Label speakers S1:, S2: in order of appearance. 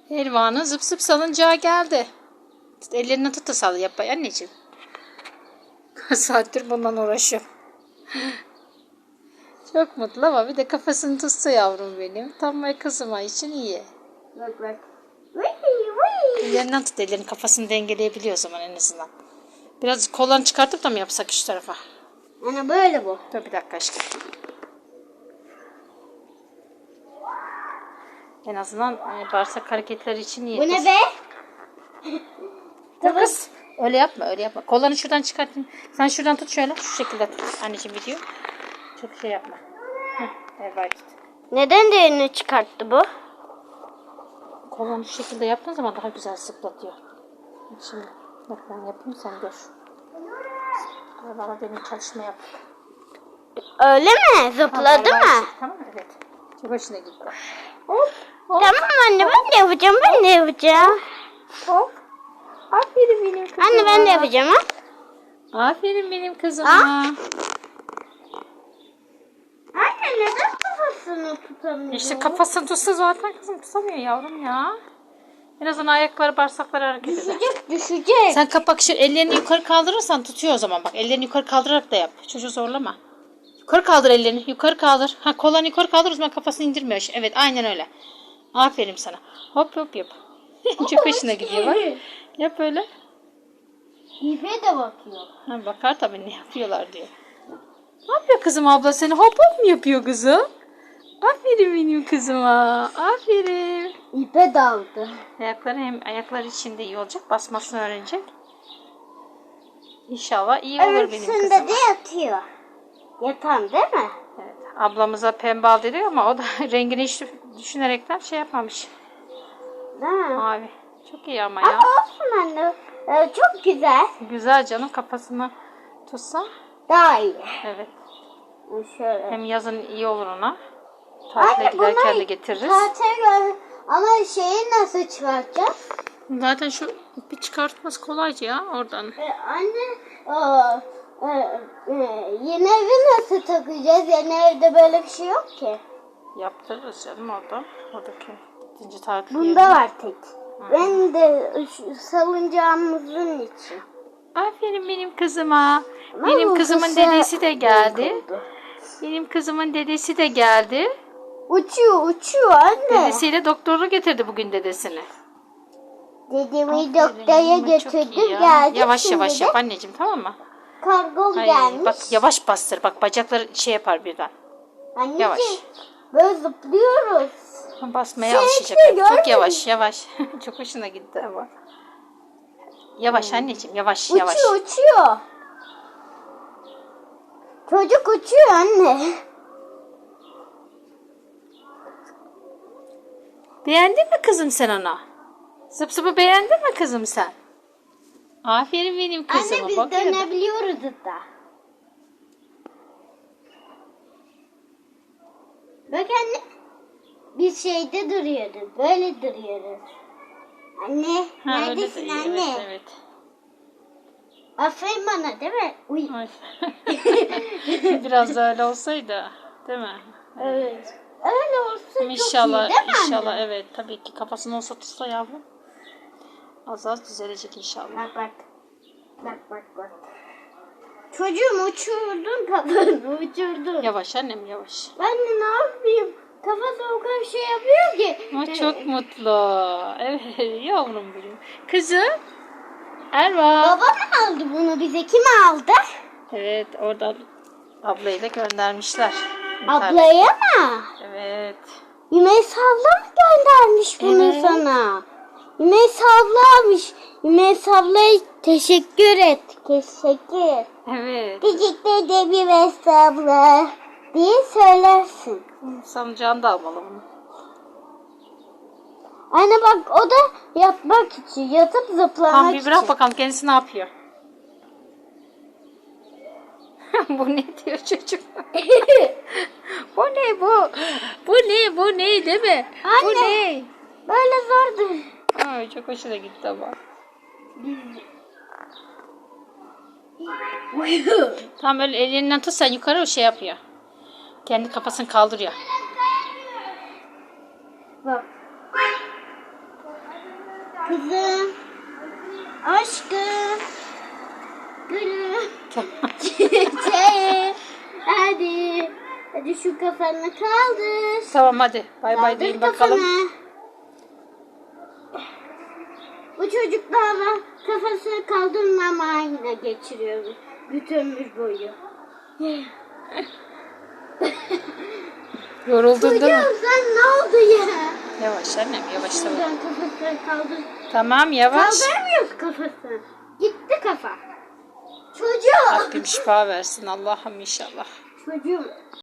S1: Elvan'ın zıp zıp salıncağı geldi. Ellerini tut da sal yap anneciğim. Kaç saattir bundan uğraşıyorum. Çok mutlu ama bir de kafasını tutsa yavrum benim. Tam kızıma için iyi.
S2: Bak bak.
S1: Ellerinden tut, ellerin kafasını dengeleyebiliyor o zaman en azından. Biraz kollarını çıkartıp da mı yapsak şu tarafa?
S2: Ana böyle bu.
S1: Dur bir dakika aşkım. En azından bağırsak hareketleri için iyi.
S2: Bu ne be?
S1: Dur kız. Öyle yapma, öyle yapma. Kollarını şuradan çıkartın. Sen şuradan tut şöyle. Şu şekilde tut. Anneciğim video. Çok şey yapma. Evet.
S2: Neden değerini çıkarttı bu?
S1: Kollarını şu şekilde yaptığın zaman daha güzel zıplatıyor. Şimdi bak ben yapayım sen gör. Bana benim çalışma yap.
S2: Öyle mi? Zıpladı mı?
S1: Tamam evet. Çok hoşuna gitti.
S2: Hop. Tamam anne ben de yapacağım. Ben de yapacağım.
S1: Hop. Aferin benim kızıma.
S2: Anne ben de yapacağım ha.
S1: Aferin benim kızıma.
S2: Anne neden kafasını tutamıyor?
S1: İşte kafasını tutsa zaten kızım tutamıyor yavrum ya. En azından ayakları bağırsakları hareket eder.
S2: Düşecek.
S1: Sen kapak şu ellerini yukarı kaldırırsan tutuyor o zaman bak. Ellerini yukarı kaldırarak da yap. Çocuğu zorlama. Yukarı kaldır ellerini. Yukarı kaldır. Ha kollarını yukarı kaldır o zaman kafasını indirmiyor. Evet aynen öyle. Aferin sana. Hop hop yap. Çok hoşuna gidiyor bak. Yap öyle.
S2: İpe de bakıyor.
S1: Ha, bakar tabii ne yapıyorlar diyor. Ne yapıyor kızım abla seni? Hop hop mu yapıyor kızım? Aferin benim kızıma. Aferin.
S2: İpe daldı.
S1: Ayakları hem ayakları için de iyi olacak. Basmasını öğrenecek. İnşallah iyi olur benim kızıma.
S2: Öbürsünde de yatıyor. Yatan değil mi?
S1: Evet, ablamıza pembe al dedi ama o da rengini hiç düşünerekten şey yapmamış.
S2: Değil mi?
S1: Mavi. Çok iyi ama
S2: Ama
S1: ya.
S2: olsun anne. Çok güzel.
S1: Güzel canım kafasını tutsa.
S2: Daha iyi.
S1: Evet.
S2: Şöyle.
S1: Hem yazın iyi olur ona. Tatile giderken de getiririz.
S2: Ama şeyi nasıl çıkartacağız?
S1: Zaten şu ipi çıkartması kolayca ya oradan.
S2: Anne yeni evi nasıl takacağız? Yeni evde böyle bir şey yok ki.
S1: Yaptırırız canım orada. Oradaki ikinci tatil
S2: Bunda
S1: yerine.
S2: var tek. Ben de salıncağımızın için.
S1: Aferin benim kızıma.
S2: Ama
S1: Benim
S2: bu
S1: kızımın
S2: kısa
S1: dedesi de geldi.
S2: oldu.
S1: Benim kızımın dedesi de geldi.
S2: Uçuyor anne.
S1: Dedesiyle doktoru getirdi bugün dedesini.
S2: Dedemi doktora götürdüm geldi.
S1: Yavaş yavaş yap anneciğim tamam mı?
S2: Kargom
S1: Ay,
S2: gelmiş.
S1: bak yavaş bastır. Bak bacakları şey yapar birden.
S2: Anneciğim,
S1: yavaş.
S2: böyle zıplıyoruz.
S1: Basmaya alışacak. Çok yavaş yavaş. Çok hoşuna gitti ama. Yavaş anneciğim yavaş yavaş.
S2: Uçuyor. Çocuk uçuyor anne.
S1: Beğendin mi kızım sen onu? Zıp zıpı beğendin mi kızım sen? Aferin benim kızıma.
S2: Anne biz
S1: Bak ya.
S2: dönebiliyoruz da. Bak anne. Biz şeyde duruyoruz. Böyle duruyoruz. Anne
S1: Ha, öyle de
S2: neredesin
S1: iyi,
S2: anne?
S1: Evet, evet.
S2: Aferin bana değil mi? Uy.
S1: Ay. Biraz da öyle olsaydı, değil mi?
S2: Evet. Öyle olsa
S1: İnşallah,
S2: çok iyi değil mi
S1: inşallah
S2: anne?
S1: evet. Tabii ki kafasını olsa tutsa yavrum. Az az düzelecek inşallah.
S2: Bak bak. Bak. Çocuğum uçurdun kafanı uçurdun.
S1: Yavaş annem yavaş.
S2: Ben de ne yapayım? Kafası o kadar şey yapıyor ki.
S1: Ama çok mutlu. Evet yavrum benim. Kızım. Erva.
S2: Baba mı aldı bunu bize? Kim aldı?
S1: Evet oradan ablayı da göndermişler.
S2: Ablaya mı?
S1: Evet.
S2: Ümeys abla mı göndermiş bunu
S1: Evet.
S2: sana? Ümeys ablamış. Ümeys ablaya teşekkür et. Teşekkür.
S1: Evet.
S2: Teşekkür ederim Ümeys abla diye söylersin.
S1: Salıncağını da almalı bunu.
S2: Anne bak o da yatmak için, yatıp zıplamak
S1: Tamam bir
S2: için.
S1: bırak bakalım kendisi ne yapıyor. Bu ne diyor çocuk? Bu ne bu? Bu ne değil mi? Bu
S2: Anne.
S1: ne?
S2: Böyle zordu.
S1: Ay çok hoşuna gitti ama. Tam öyle elinden tut sen yukarı o şey yapıyor. Kendi kafasını kaldırıyor.
S2: Bak. Kızım. Aşkım. Gülüm.
S1: Tamam.
S2: Çiçeğim. Hadi. Hadi şu kafanı kaldır.
S1: Tamam hadi. Bay bay
S2: Kaldır
S1: deyin bakalım.
S2: kafanı. Bu çocuklarla kafasını kaldırmamayla geçiriyor bütün ömür boyu.
S1: Yoruldun değil mi?
S2: Çocuğum sen ne oldu ya?
S1: Yavaş annem yavaş tamam.
S2: Şuradan kafasını kaldır.
S1: Tamam yavaş.
S2: Kaldıramıyoruz kafasını. Gitti kafa. Çocuğum.
S1: Rabbim şifa versin Allah'ım inşallah.
S2: Çocuğum.